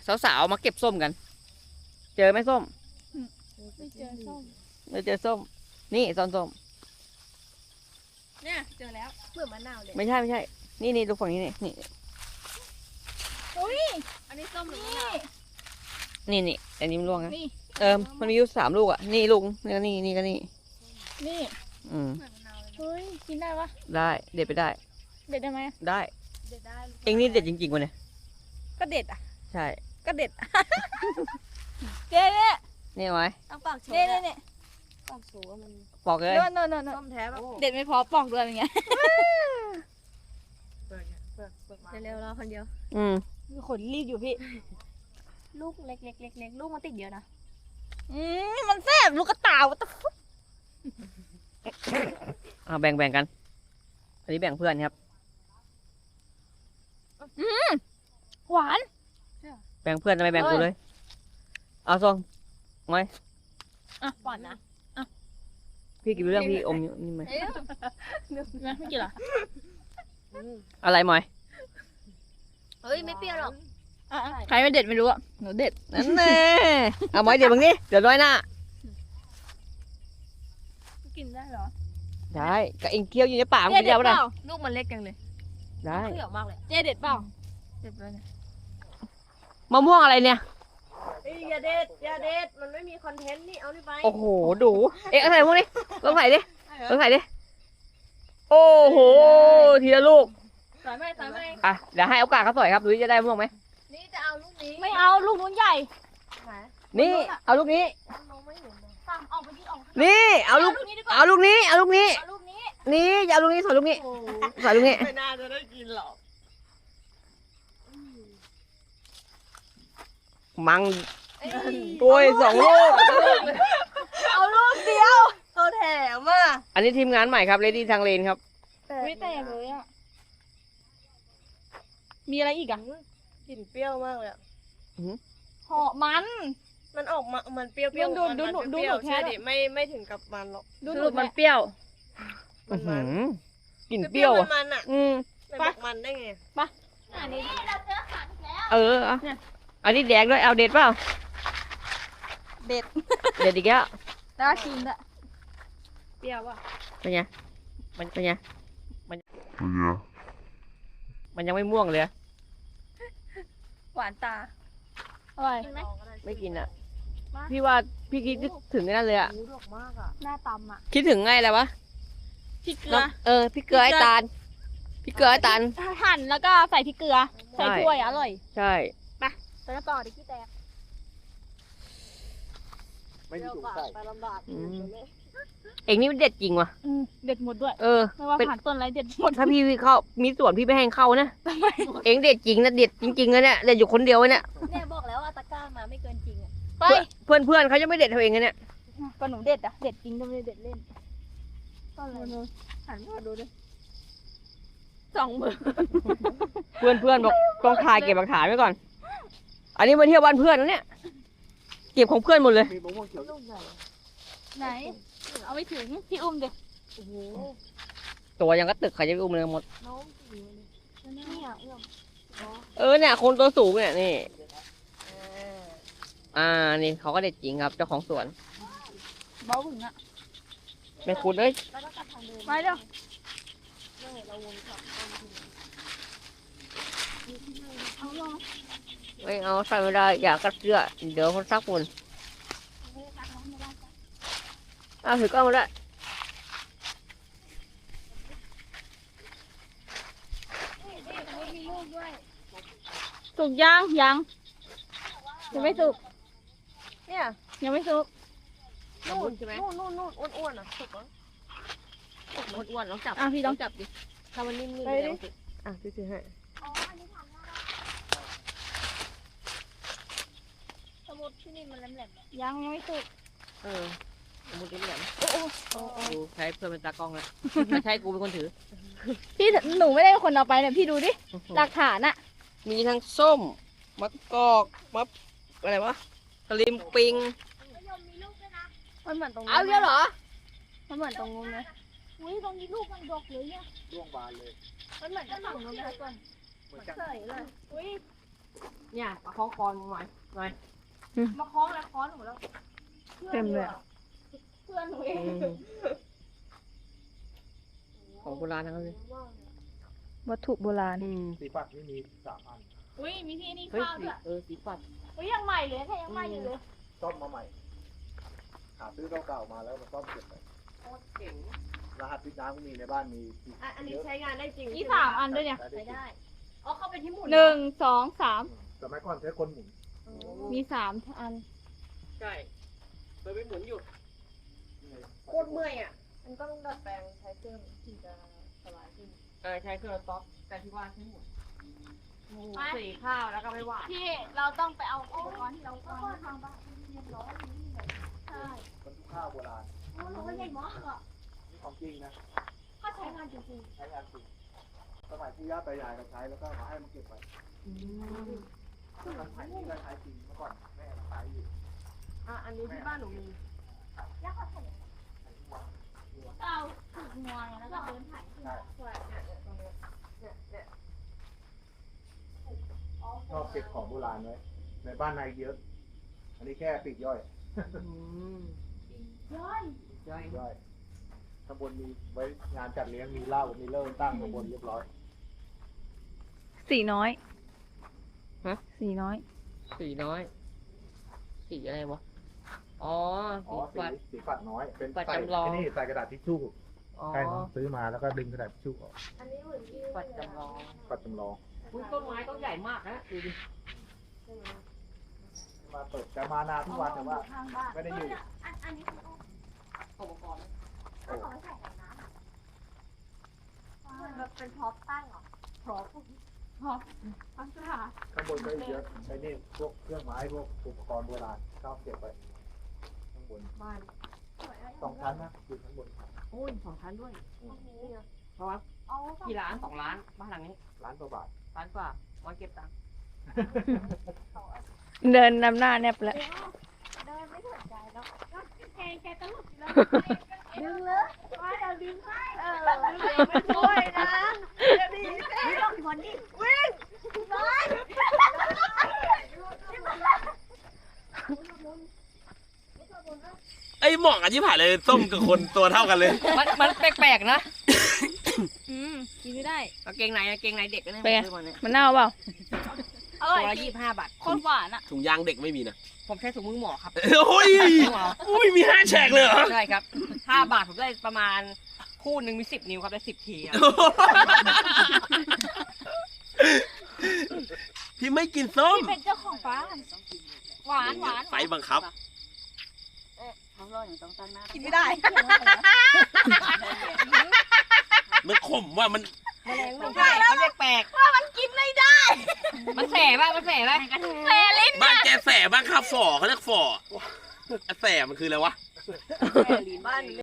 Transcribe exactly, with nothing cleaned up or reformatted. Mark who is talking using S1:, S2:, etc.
S1: สาวๆมาเก็บส้มกัน เจอไหมส้ม
S2: ไม่เจอส้ม
S1: ไม่เจอส้มนี่ซ้อนส้ม
S2: เนี่ยเจอแล้วเปลือกมะนาวเลย
S1: ไม่ใช่ไม่ใช่นี่นี่ดูฝั่งนี้นี่นี่
S2: อุ้ยอันนี้ส้มหรือมะนาว
S1: นี่นี่อันนี้มันร่วงนะเออมันมีอยู่สามลูกอ่ะนี่ลูกนี่ก็นี่นี่ก็นี่
S2: นี่
S1: อืม
S2: เฮ้ยกินได้ปะ
S1: ได้เด็ดไปได้
S2: เด็ดได้ไหม
S1: ได้เด็ดได้เองนี่เด็ดจริงๆวะเนี่ย
S2: ก็เด็ดอ่ะ
S1: ใช่
S2: ก็เด็ดเจ๊เนี่ย
S1: นี่ไหม
S2: ต้องปอกโชว์เนี่ยเนี่ยปอกโชว์มัน
S1: ปอกเลย
S2: โน่นโน่นโน่นส้มแท้แบบเด็ดไม่พอปอกด้วยเป็นไงเร็วๆเราคนเดียว
S1: อืม
S2: ขนรีบอยู่พี่ลูกเล็กเล็กเล็กเล็กลูกมันติดเยอะนะอืมมันแซ่บลูกกระต่ายตะฟุ
S1: อ่าแบ่งแบ่งกันอันนี้แบ่งเพื่อนครับ
S2: อืมหวาน
S1: แบ่งเพื่อนทำไมแบ่งกูเลยเอาซองไว้
S2: อ่ะก่อนนะอ่ะ
S1: พี่กินเรื่องพี่อมนี่ไหม
S2: ไม่กินหรอ
S1: อะไรหมอย
S2: เฮ้ยไม่เปรี้ยวหรอกใครไม่เด็ดไม่รู้อ่ะหนูเด็ด
S1: นั่นแน่เอาหมอยเดี๋ยวมึงนี่เดี๋ยวน้อยหน้า
S2: กินได้เหรอ
S1: ได้ก็เองเคี้ยวอยู่ในปากมันกินได้ปะล่ะ
S2: ลูกมันเล็กจังเลย
S1: ได้
S2: เปรี้ยวมากเลยเจ๊เด็ดเปล่าเด็ดไปเลย
S1: มะม่วงอะไรเนี่ย
S2: อย่าเด็ดอย่าเด็ดมันไม่มีคอนเทนต์นี่เอานี่ไป
S1: โอ้โหดูเอ๊ะอะไรพวกนี้ลองใส่ดิลองใส่ดิโอ้โหทีละลูก
S2: ใส่ไม่ใส่ไม่
S1: อ่ะเดี๋ยวให้โอกาสเขาสอยครับดูจะได้ม่วงไหม
S2: นี่จะเอาลูกนี้ไม่เอาลูกนู้นใหญ่
S1: นี่เอาลูกนี้
S2: ออกไปยืดออก
S1: นี่เอาลูกเอาลูกนี้เอาลูกนี้นี่อย่าเอาลูกนี้สอยลูกนี้สอยลูกนี้
S2: ไม่น่าจะได้กินหรอก
S1: มังตัวสองลูก
S2: เอาลูกเดียวเขาแถมอ่ะ
S1: อันนี้ทีมงานใหม่ครับเลดี้ทางเลนครับ
S2: ไม่แตกเลยอ่ะมีอะไรอีกอ่ะกลิ่นเปรี้ยวมากเลยหอมมันมันออกมามันเปรี้ยวเปรี้ยวดูดูดูดูหนูแค่ดิไม่ไม่ถึงกับมันหรอก
S1: ดูหนูมันเปรี้ยวกลิ่นเปรี้ยว
S2: มันอ่ะ
S1: อืม
S2: ปะมันได้ไงปะอันนี้เราเจอขันแล้ว
S1: เอออันนี้แดงด้วยเอาเด็ดเปล่า
S2: เด็ด
S1: เด็ดอีกแล้ว
S2: น่ากินอะเปรี้ยวอ่ะ
S1: เป็นไงมันเป็นไงมันมันยังไม่ม่วงเลย
S2: หวานตาอร่อย
S1: ไม่กินอ่ะพี่ว่าพี่คิดถึงนั่นเลยอ่ะ
S2: หน้าตำอ่ะ
S1: คิดถึงไงอะไรวะ
S2: พริกเกลือ
S1: เออพริกเกลือไอ้ตาลพริกเกลือไอ้ตาล
S2: หั่นแล้วก็ใส่พริกเกลือใส่ถ้วยอร่อย
S1: ใช่
S2: ไปแล้วต่อดิขี้แตก
S3: ไม่มีถุงใส่
S1: เอ็งนี่มันเด็ดจริงว่ะ
S2: เด็ดหมดด้วย
S1: เออ
S2: ไม่ว่าผ่านต้นอะไรเด็ดหมด
S1: ถ้าพี่เข้ามีส่วนพี่ไม่ให้เข้านะเอ็งเด็ดจริงนะเด็ดจริงๆนะเนี่ยเด็ดอยู่คนเดียวเนี่ย
S2: เนี่ยบอกแล้วว่าตะกร้ามาไม่เกินจริงอ่ะไป
S1: เพื่อนเพื่อนเขาจะไม่เด็ดเท่าเองเนี่ย
S2: ก็หนูเด็ดอ่ะเด็ดจริงก็ไม่ได้เด็ดเล่นต้นอะไรหันมาดูดิสองมือ
S1: เพื่อนเพื่อนบอกต้องถ่ายเก็บหลักฐานไว้ก่อนอันนี้มาเที่ยวบ้านเพื่อนนะเนี่ยเก็บของเพื่อนหมดเลย
S2: ไหนเอาไม่ถึงพี่อุ้มเด็ก
S1: ตัวยังก็ตึกใครจะไปอุ้มเลยหมด
S2: เอ
S1: อเนี่ยคนตัวสูงเนี่ยนี่อ่านี่เขาก็เด็ดจริงครับเจ้าของสวน
S2: เบ้าถึงอ่ะ
S1: ไม่คุ้นเลย
S2: ไปเร็ว
S1: ไม่เอาใส่ไม่ได้อยากกระเสื้อเดี๋ยวคนซักฝุ่นเอาถือกล้องมาได้
S2: สุกยังยังยังไม่สุกเนี่ยยังไม่สุก
S1: นู่นใช่ไหม
S2: นู่นนู่นนู่นอ้วนๆอ่ะสุกแล้ว
S1: อ้วนๆลองจับ
S2: อ่ะพี่ลองจับดิ
S1: ถ้ามันนิ่มๆ
S2: ไปดิ
S1: อ่ะพี่ซื้อให้
S2: สมุดที่นี่มันแหลมๆยังยังไม่สุก
S1: เออสมุดนี่แหลมโอ้โอ้ดูใช้เพื่อนเป็นตากล้องแล้วใช้กูเป็นคนถือ
S2: พี่หนูไม่ได้เป็นคนเอาไปเนี่ยพี่ดูดิหลักฐานอะ
S1: มีทั้งส้มมะกอกมะอะไรวะสลิมปิง
S2: มันเหมือนตรงนี้
S1: เอาเยอะเหรอ
S2: มันเหมือนตรงนู้นนะอุ้ยตรงนี้ลูกมันดกเลยเนี่ย
S3: ร่วงบานเลย
S2: มันเหมือนกับฝั่งนู้นนะก่อนเหมือนเคยเลยอุ้ย
S1: เนี่ยมาคล้องคอหน่อยหน่อย
S2: มาคล้องแล้วคล้องหนูแล้ว
S4: เต็มเลย
S2: เพื่อนหนูเอง
S1: ของโบราณทั้งนั้นเลย
S4: วัตถุโบราณ
S1: อืม
S3: สีปัดนี่มีสามอัน
S2: อุ้ยมีที่นี่
S1: เฮ้ย
S2: ข้าว
S1: สี
S2: ด้วย
S1: เออสีปัด
S2: อุ้ยยังใหม่เลยแค่ยังใหม่อยู่เลย
S3: ซ่อมมาใหม่ หาซื้อเก่าๆมาแล้วมาซ่อมเก็บไป
S1: โคตรเก่ง
S3: รหัสพิษน้ำก็มีในบ้านมี
S2: อ่ะอันนี้
S3: เยอะ
S2: ใช้งานได้จริง
S4: นี่สามอันด้วยเนี่ย
S3: ใช้
S2: ใช้
S3: ได้
S2: ได้อ๋อเข้าไปที่หมุน
S4: หนึ่งสองสาม
S3: สมัยก่อนใช้คนหมุน
S4: มีสามอัน
S1: ใช่เคยไปหมุนอยู่
S2: โคตรเมื่อยอ่ะ มันก็ต้องดัดแปลงใช้เครื่องถึงจะสบายขึ้น
S1: เออใช้เครื่องต๊อกแต่ที่ว่าใช้หมุนสีข้าวแล้วก็ไม่หวาน
S2: พี่เราต้องไปเอาอุปกรณ์ที่เราวางทางบ้านเรียบร้อยใช่
S3: มันทุกข้าวโบราณ
S2: โอ้เราก็ใหญ่มากอ่ะ
S3: นี่ของจริงนะ
S2: ถ้าใช้งานจริง
S3: ใช้งานจริงสมัยที่ย่าตายายก็ใช้แล้วก็มาให้มันเก็บไว้มันใช้ที่ก็ใช้จริงเมื่อก่อนแม่ใช้อยู่
S2: อ่ะอันนี้ที่บ้านหนูมียากกว่าใส่เอาถูกงวงแล้วก็เดินถ่ายขึ้นมาใช่เนี่ยเนี่ยตรงเนี้ยเนี่ยเนี่ย
S3: ชอบเก็บของโบราณไว้ในบ้านนายเยอะ อันนี้แค่ปีกย่อย
S2: ย้อย
S1: ย่อย
S3: ย่อยข้างบนมีไว้งานจัดเลี้ยงมีเหล้ามีเลิ่มตั้งข้างบนเรียบร้อย
S4: สีน้อย
S1: ฮะ
S4: สีน้อย
S1: สีน้อย สีอะไรวะ อ๋อ
S3: อ๋อ
S1: สี
S3: สี
S1: ปัด
S3: สีปัดน้อย เป็น
S1: ปัด
S3: ใส่
S1: จำลอง
S3: ไอ้นี่ใส่กระดาษทิชชู่
S1: อ๋อ
S3: ใช่น้องซื้อมาแล้วก็ดึงกระดาษทิชชู่ออก
S2: อันนี้เหมือนที่
S1: ปัดจำลอง
S3: ปัดจำลอง
S1: อุ้ยต้นไม้ต้นใหญ่มากนะดูดิ
S3: มาเปิดจะมานาทุกวันแต่ว่า
S2: ข้างบ้าน
S3: ไม่ได้อยู่
S2: อันอันนี้คือ
S1: อุปกรณ์
S2: เอาของใส่ในน้ำเหมือนแบบเป็นพร็อพตั้งเหรอพร็อพพร็อพตั้งกระดาษ
S3: ข้างบนก็เยอะไอ้นี่พวกเครื่องไม้พวกอุปกรณ์โบราณชอบเก็บไว้ข้างบน
S1: บ้าน
S3: สองชั้นนะอยู่ข้างบน
S1: โอ้ยสองชั้นด้วย
S2: นี่ไง
S1: เพราะว่า
S2: เอา
S1: กี่ล้านสองล้านบ้านหลังนี้
S3: ล้านกว่าบาท
S1: ล้านกว่าไว้เก็บตังค์
S4: เดินนำหน้าแนบแล้ว
S2: เดินไม่สนใจแล้วแกแกตลกแล้วดึงเลยว่าจะดึงให้เออเดี๋ยวไม่ช่วยนะเดี๋ยวดีไม่ต้องคนดิวิ่งน้อย
S5: ไอ้หมอกอาชีพหายเลยส้มกับคนตัวเท่ากันเลย
S1: มันมันแปลกๆนะ
S4: อืมกินไม่ได้
S1: กางเกงในกางเกงในเด็กนะเนี่ย
S4: เป็นไง
S1: ผมซื้อมาเนี่ย
S4: มันเน่าเปล่า
S2: อร่อย
S1: ตัวละ
S2: จริ
S1: ยี่
S2: ง
S1: สิบห้าบาท
S4: โคตรหวานอ่ะ
S5: ถุงยางเด็กไม่มีนะ
S1: ผมใช้ถุงมือหมอครับ
S5: โอ้ย
S1: ถุงมือหมอ
S5: อุ้ยมีห้าแฉกเลยเหรอ
S1: ใช่ครับห้าบาทผมได้ประมาณคู่หนึ่งมีสิบนิ้วครับได้สิบทีครับ
S5: พี่ไม่กินส้ม
S4: ที่เป็นเจ้าของฟ้าหวานหวาน
S5: ไฟบังคับ
S4: กินไม่ได้
S5: มันขมว่ามัน
S1: มันใช่มันแปลกๆว่ามันกินไม่ได้ มันแสบป่ะมันแสบป่ะแสบลิ้น
S5: บ้านแกแสบ้านข้าวฝ่อเขาเรียกฝ่อแสมันคืออะไรวะ
S1: บ้าน